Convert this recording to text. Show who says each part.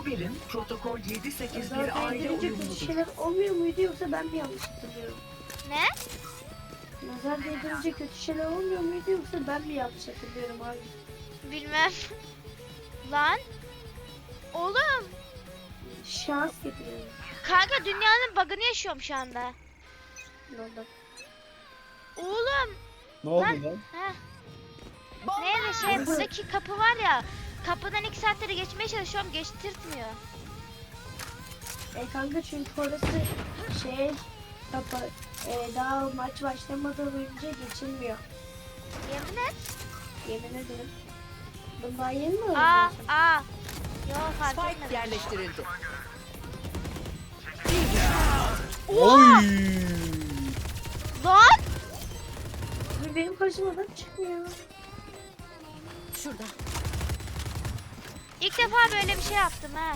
Speaker 1: Bu birim protokol 781
Speaker 2: Özel
Speaker 1: aile
Speaker 2: değdirince kötü
Speaker 1: uyumludur.
Speaker 2: şeyler olmuyor muydu yoksa ben mi yanlış hatırlıyorum?
Speaker 3: Ne?
Speaker 2: Nazar değdirince kötü şeyler olmuyor muydu yoksa ben mi yanlış hatırlıyorum abi?
Speaker 3: Bilmem. Lan. Oğlum.
Speaker 2: Şans getiriyorum.
Speaker 3: Kanka dünyanın bug'ını yaşıyorum şu anda.
Speaker 2: Ondan.
Speaker 3: Oğlum.
Speaker 4: Ne oldu
Speaker 3: Lan.
Speaker 4: lan?
Speaker 3: Heh. Neyse buradaki kapı var ya. Kapıdan 2 saatleri geçmeye çalışıyorum. Geçtirtmiyor.
Speaker 2: Kanka çünkü orası şey kapı daha maç başlamadan önce geçilmiyor.
Speaker 3: Yemin et.
Speaker 2: Yemin ederim. Ben daha yeni mi
Speaker 3: Aa
Speaker 2: öğreniyorsun?
Speaker 3: aa. Yo fark
Speaker 1: Spike
Speaker 3: etmedim.
Speaker 1: yerleştirildi.
Speaker 4: Oy!
Speaker 3: Lan.
Speaker 2: Benim karşımadan çıkmıyor.
Speaker 1: Şurada.
Speaker 3: İlk defa böyle bir şey yaptım ha.